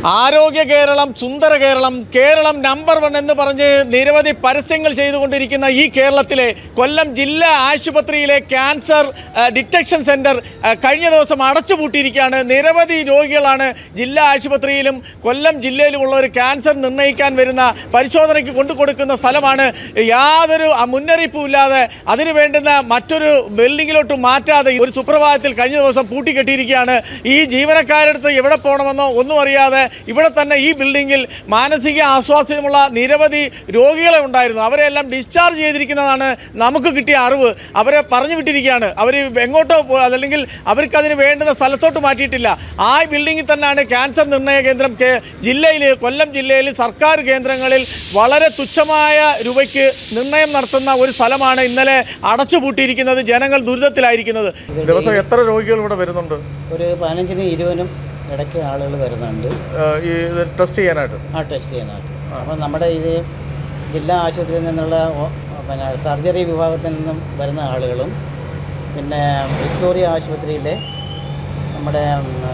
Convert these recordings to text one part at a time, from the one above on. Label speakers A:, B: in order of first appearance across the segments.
A: ആരോഗ്യ കേരളം, സുന്ദര കേരളം, കേരളം നമ്പർ 1 എന്ന് പറഞ്ഞ് നിരവധി പരസ്യങ്ങൾ ചെയ്തുകൊണ്ടിരിക്കുന്ന ഈ കേരളത്തിലെ കൊല്ലം ജില്ലാ ആശുപത്രിയിലെ ക്യാൻസർ ഡിറ്റക്ഷൻ സെൻറ്റർ കഴിഞ്ഞ ദിവസം അടച്ചുപൂട്ടിയിരിക്കുകയാണ്. നിരവധി രോഗികളാണ് ജില്ലാ ആശുപത്രിയിലും കൊല്ലം ജില്ലയിലുമുള്ള ഒരു ക്യാൻസർ നിർണ്ണയിക്കാൻ വരുന്ന പരിശോധനയ്ക്ക് കൊണ്ടുകൊടുക്കുന്ന സ്ഥലമാണ്. യാതൊരു മുന്നറിയിപ്പുമില്ലാതെ അതിന് വേണ്ടുന്ന മറ്റൊരു ബിൽഡിങ്ങിലോട്ട് മാറ്റാതെ ഒരു സുപ്രഭാതത്തിൽ കഴിഞ്ഞ ദിവസം പൂട്ടിക്കെട്ടിയിരിക്കുകയാണ്. ഈ ജീവനക്കാരടുത്ത് എവിടെ പോകണമെന്നോ ഒന്നും അറിയാതെ ഇവിടെ തന്നെ ഈ ബിൽഡിങ്ങിൽ മാനസിക ആസ്വാസ്ഥ്യമുള്ള നിരവധി രോഗികളെ ഉണ്ടായിരുന്നു. അവരെല്ലാം ഡിസ്ചാർജ് ചെയ്തിരിക്കുന്നതാണ് നമുക്ക് കിട്ടിയ അറിവ്. അവരെ പറഞ്ഞു വിട്ടിരിക്കുകയാണ്. അവർ എങ്ങോട്ടോ അല്ലെങ്കിൽ അവർക്കതിന് വേണ്ടുന്ന സ്ഥലത്തോട്ട് മാറ്റിയിട്ടില്ല. ആ ബിൽഡിങ്ങിൽ തന്നെയാണ് ക്യാൻസർ നിർണ്ണയ കേന്ദ്രം ജില്ലയിൽ, കൊല്ലം ജില്ലയിൽ സർക്കാർ കേന്ദ്രങ്ങളിൽ വളരെ തുച്ഛമായ രൂപയ്ക്ക് നിർണ്ണയം നടത്തുന്ന ഒരു സ്ഥലമാണ് ഇന്നലെ അടച്ചുപൂട്ടിയിരിക്കുന്നത്. ജനങ്ങൾ ദുരിതത്തിലായിരിക്കുന്നത്. ദിവസം എത്ര രോഗികൾ ഇവിടെ വരുന്നുണ്ട്?
B: ഒരു 15-നും 20-നും ഇടയ്ക്ക് ആളുകൾ വരുന്നുണ്ട്
A: ഈ ടെസ്റ്റ് ചെയ്യാനായിട്ട്.
B: ടെസ്റ്റ് ചെയ്യാനായിട്ട്. അപ്പോൾ നമ്മുടെ ഇത് ജില്ലാ ആശുപത്രിയിൽ നിന്നുള്ള പിന്നെ സർജറി വിഭാഗത്തിൽ നിന്നും വരുന്ന ആളുകളും പിന്നെ വിക്ടോറിയ ആശുപത്രിയിലെ നമ്മുടെ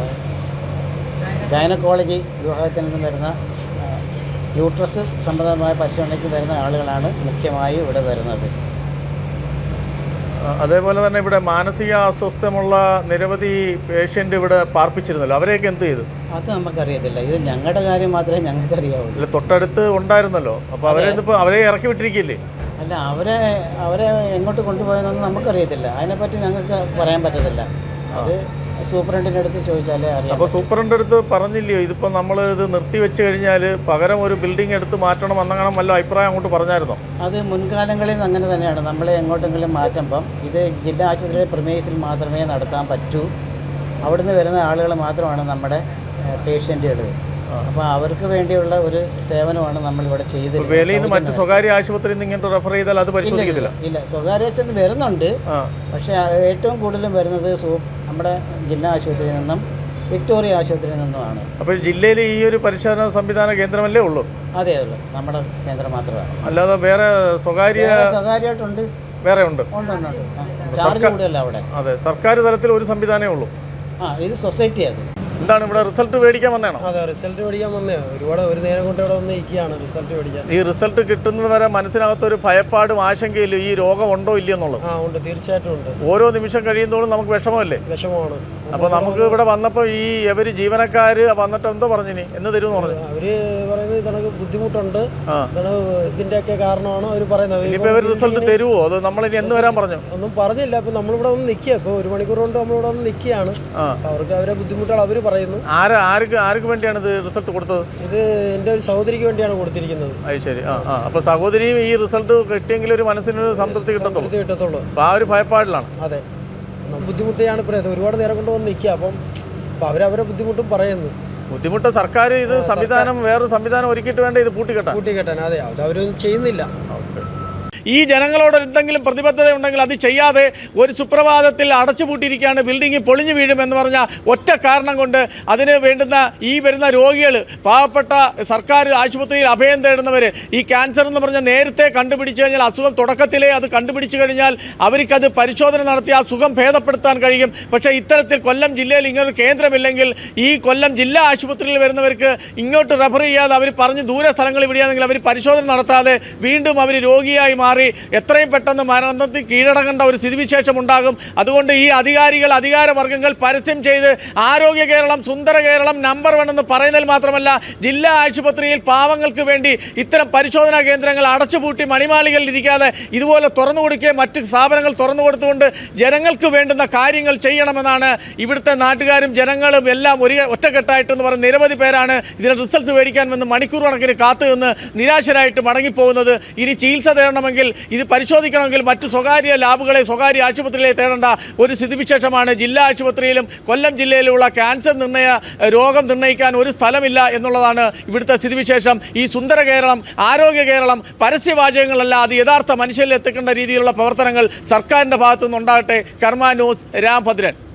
B: ഗൈനക്കോളജി വിഭാഗത്തിൽ നിന്നും വരുന്ന യൂട്രസ് സംബന്ധമായ പരിശോധനയ്ക്ക് വരുന്ന ആളുകളാണ് മുഖ്യമായും ഇവിടെ വരുന്നത്.
A: അതേപോലെ തന്നെ ഇവിടെ മാനസിക അസ്വസ്ഥമുള്ള നിരവധി പേഷ്യൻ്റ് ഇവിടെ പാർപ്പിച്ചിരുന്നല്ലോ, അവരെയൊക്കെ എന്ത് ചെയ്തു?
B: അത് നമുക്കറിയത്തില്ല. ഇത് ഞങ്ങളുടെ കാര്യം മാത്രമേ ഞങ്ങൾക്ക് അറിയാവുള്ളൂ.
A: തൊട്ടടുത്ത് ഉണ്ടായിരുന്നല്ലോ, അപ്പോൾ അവരെ ഇറക്കി വിട്ടിരിക്കില്ലേ?
B: അല്ല, അവരെ എങ്ങോട്ട് കൊണ്ടുപോയെന്നൊന്നും നമുക്കറിയത്തില്ല. അതിനെപ്പറ്റി ഞങ്ങൾക്ക് പറയാൻ പറ്റത്തില്ല. അത് സൂപ്രണ്ടിൻ്റെ അടുത്ത് ചോദിച്ചാലേ അറിയാം.
A: അപ്പോൾ സൂപ്രണ്ട് അടുത്ത് പറഞ്ഞില്ലയോ ഇതിപ്പോൾ നമ്മൾ ഇത് നിർത്തി വെച്ച് കഴിഞ്ഞാൽ പകരം ഒരു ബിൽഡിംഗ് എടുത്ത് മാറ്റണം എന്നങ്ങനെ വല്ല അഭിപ്രായം അങ്ങോട്ട് പറഞ്ഞായിരുന്നോ?
B: അത് മുൻകാലങ്ങളിൽ നിന്ന് അങ്ങനെ തന്നെയാണ്. നമ്മളെ എങ്ങോട്ടെങ്കിലും മാറ്റുമ്പം ഇത് ജില്ലാ ആശുപത്രിയുടെ പ്രിമൈസിൽ മാത്രമേ നടത്താൻ പറ്റൂ. അവിടുന്ന് വരുന്ന ആളുകൾ മാത്രമാണ് നമ്മുടെ പേഷ്യൻറ്റുകൾ. അപ്പോൾ അവർക്ക് വേണ്ടിയുള്ള ഒരു സേവനമാണ് നമ്മളിവിടെ ചെയ്തിരുന്നത്.
A: വെളിയിൽ നിന്ന് മറ്റ് സ്വകാര്യ ആശുപത്രിയിൽ നിന്ന് ഇങ്ങോട്ട് റെഫർ ചെയ്താൽ അത് പരിശോധിക്കത്തില്ല?
B: ഇല്ല, സ്വകാര്യ ആശുപത്രി വരുന്നുണ്ട്. പക്ഷേ ഏറ്റവും കൂടുതലും വരുന്നത് നമ്മുടെ ജില്ലാ ആശുപത്രിയിൽ നിന്നും വിക്ടോറിയ ആശുപത്രിയിൽ നിന്നുമാണ്.
A: അപ്പോൾ ജില്ലയിൽ ഈ ഒരു പരിശോധന സംവിധാന കേന്ദ്രമല്ലേ ഉള്ളൂ?
B: അതേ ഉള്ളൂ, നമ്മുടെ കേന്ദ്രം മാത്രമാണ്.
A: അല്ലാതെ വേറെ
B: സ്വകാര്യമായിട്ടുണ്ട്,
A: വേറെ ഉണ്ട്.
B: ചാർജ് കൂടുതലല്ല അവിടെ.
A: അതെ, സർക്കാർ തലത്തിൽ ഒരു സംവിധാനമേ ഉള്ളൂ.
B: ഇത് സൊസൈറ്റി. അത്
A: എന്താണ് ഇവിടെ റിസൾട്ട് മേടിക്കാൻ വന്നതാണോ?
C: അതെ, റിസൾട്ട് മേടിക്കാൻ വന്നേ. ഒരു നേരം കൊണ്ട് ഇവിടെ വന്ന് ഇരിക്കുകയാണ് റിസൾട്ട് മേടിക്കാൻ.
A: ഈ റിസൾട്ട് കിട്ടുന്നത് വരെ മനസ്സിനകത്തൊരു ഭയപ്പാടും ആശങ്കയില്ല ഈ രോഗം ഉണ്ടോ ഇല്ലയെന്നുള്ളത്?
C: ഉണ്ട്, തീർച്ചയായിട്ടും ഉണ്ട്.
A: ഓരോ നിമിഷം കഴിയുന്നതോടും നമുക്ക് വിഷമമല്ലേ?
C: വിഷമമാണ്.
A: അപ്പോൾ നമുക്ക് ഇവിടെ വന്നപ്പോൾ ഈ ഇവര് ജീവനക്കാർ വന്നിട്ട് എന്തോ പറഞ്ഞിനി എന്ന് തരുമെന്ന് പറഞ്ഞു.
C: അവര് പറയുന്നത് ഇതണക്ക് ബുദ്ധിമുട്ടുണ്ട്, ഇതിന്റെയൊക്കെ കാരണമാണ് അവർ പറയുന്നത്.
A: ഇനിയിപ്പോൾ ഇവർ റിസൾട്ട് തരുമോ? അത് നമ്മളിനി എന്ന് വരാൻ പറഞ്ഞു?
C: ഒന്നും പറഞ്ഞില്ല. ഇപ്പൊ നമ്മളിവിടെ വന്ന് നിൽക്കുക. ഇപ്പോൾ 1 മണിക്കൂർ കൊണ്ട് നമ്മളിവിടെ വന്ന് നിൽക്കുകയാണ്. അവർക്ക് അവരെ ബുദ്ധിമുട്ടുകൾ അവർ പറയുന്നു.
A: ആർക്ക് വേണ്ടിയാണ് ഇത് റിസൾട്ട് കൊടുത്തത്?
C: ഇത് എൻ്റെ ഒരു സഹോദരിക്ക് വേണ്ടിയാണ് കൊടുത്തിരിക്കുന്നത്.
A: അത് ശരി. അപ്പോൾ സഹോദരിയും ഈ റിസൾട്ട് കിട്ടിയെങ്കിൽ ഒരു മനസ്സിനൊരു സംതൃപ്തി കിട്ടത്തുള്ളൂ. അപ്പോൾ ആ ഒരു ഭയപ്പാടിലാണ്.
C: അതെ, ബുദ്ധിമുട്ടിയാണ് പറയുന്നത്. ഒരുപാട് നേരം കൊണ്ട് വന്ന് നിൽക്കുക. അപ്പം അവരവരെ ബുദ്ധിമുട്ടും പറയുന്നു.
A: ബുദ്ധിമുട്ട് സർക്കാർ ഇത് സംവിധാനം വേറൊരു സംവിധാനം ഒരുക്കിയിട്ട് വേണ്ട ഇത്
C: പൂട്ടിക്കെട്ടാൻ. അതെ, അത് അവരൊന്നും ചെയ്യുന്നില്ല.
A: ഈ ജനങ്ങളോട് എന്തെങ്കിലും പ്രതിബദ്ധത ഉണ്ടെങ്കിൽ അത് ചെയ്യാതെ ഒരു സുപ്രഭാതത്തിൽ അടച്ചുപൂട്ടിയിരിക്കുകയാണ്. ബിൽഡിംഗ് പൊളിഞ്ഞു വീഴുമെന്ന് പറഞ്ഞ ഒറ്റ കാരണം കൊണ്ട് അതിന് വേണ്ടുന്ന ഈ വരുന്ന രോഗികൾ, പാവപ്പെട്ട സർക്കാർ ആശുപത്രിയിൽ അഭയം തേടുന്നവർ, ഈ ക്യാൻസർ എന്ന് പറഞ്ഞാൽ നേരത്തെ കണ്ടുപിടിച്ചു കഴിഞ്ഞാൽ, അസുഖം തുടക്കത്തിലേ അത് കണ്ടുപിടിച്ചു കഴിഞ്ഞാൽ അവർക്കത് പരിശോധന നടത്തി ആ സുഖം ഭേദപ്പെടുത്താൻ കഴിയും. പക്ഷേ ഇത്തരത്തിൽ കൊല്ലം ജില്ലയിൽ ഇങ്ങനൊരു കേന്ദ്രമില്ലെങ്കിൽ ഈ കൊല്ലം ജില്ലാ ആശുപത്രിയിൽ വരുന്നവർക്ക് ഇങ്ങോട്ട് റെഫർ ചെയ്യാതെ അവർ പറഞ്ഞ് ദൂരെ സ്ഥലങ്ങളിൽ വിടുകയാണെങ്കിൽ അവർ പരിശോധന നടത്താതെ വീണ്ടും അവർ രോഗിയായി മാറി എത്രയും പെട്ടെന്ന് മരണത്തിൽ കീഴടങ്ങേണ്ട ഒരു സ്ഥിതിവിശേഷം ഉണ്ടാകും. അതുകൊണ്ട് ഈ അധികാരവർഗ്ഗങ്ങൾ പരസ്യം ചെയ്ത് ആരോഗ്യ കേരളം, സുന്ദര കേരളം, നമ്പർ 1 എന്ന് പറയുന്നതിൽ മാത്രമല്ല ജില്ലാ ആശുപത്രിയിൽ പാവങ്ങൾക്ക് വേണ്ടി ഇത്തരം പരിശോധനാ കേന്ദ്രങ്ങൾ അടച്ചുപൂട്ടി മണിമാളികളിൽ ഇരിക്കാതെ ഇതുപോലെ തുറന്നു കൊടുക്കുകയും മറ്റ് സ്ഥാപനങ്ങൾ തുറന്നു കൊടുത്തുകൊണ്ട് ജനങ്ങൾക്ക് വേണ്ടുന്ന കാര്യങ്ങൾ ചെയ്യണമെന്നാണ് ഇവിടുത്തെ നാട്ടുകാരും ജനങ്ങളും എല്ലാം ഒറ്റക്കെട്ടായിട്ടെന്ന് പറഞ്ഞ് നിരവധി പേരാണ് ഇതിന് റിസൾട്ട് മേടിക്കാൻ വന്ന് മണിക്കൂർ കണക്കിന് കാത്തു നിന്ന് നിരാശരായിട്ട് മടങ്ങിപ്പോകുന്നത്. ഇനി ചികിത്സ തേടണമെങ്കിൽ, ഇത് പരിശോധിക്കണമെങ്കിൽ മറ്റു സ്വകാര്യ ലാബുകളെ, സ്വകാര്യ ആശുപത്രികളെ തേടേണ്ട ഒരു സ്ഥിതിവിശേഷമാണ്. ജില്ലാ ആശുപത്രിയിലും കൊല്ലം ജില്ലയിലുള്ള ക്യാൻസർ രോഗം നിർണ്ണയിക്കാൻ ഒരു സ്ഥലമില്ല എന്നുള്ളതാണ് ഇവിടുത്തെ സ്ഥിതിവിശേഷം. ഈ സുന്ദര കേരളം, ആരോഗ്യ കേരളം പരസ്യവാചകങ്ങളല്ല, അത് യഥാർത്ഥ മനുഷ്യരിൽ എത്തിക്കേണ്ട രീതിയിലുള്ള പ്രവർത്തനങ്ങൾ സർക്കാരിൻ്റെ ഭാഗത്തു നിന്നുണ്ടാകട്ടെ. കർമ്മ ന്യൂസ്, രാംഭദ്രൻ.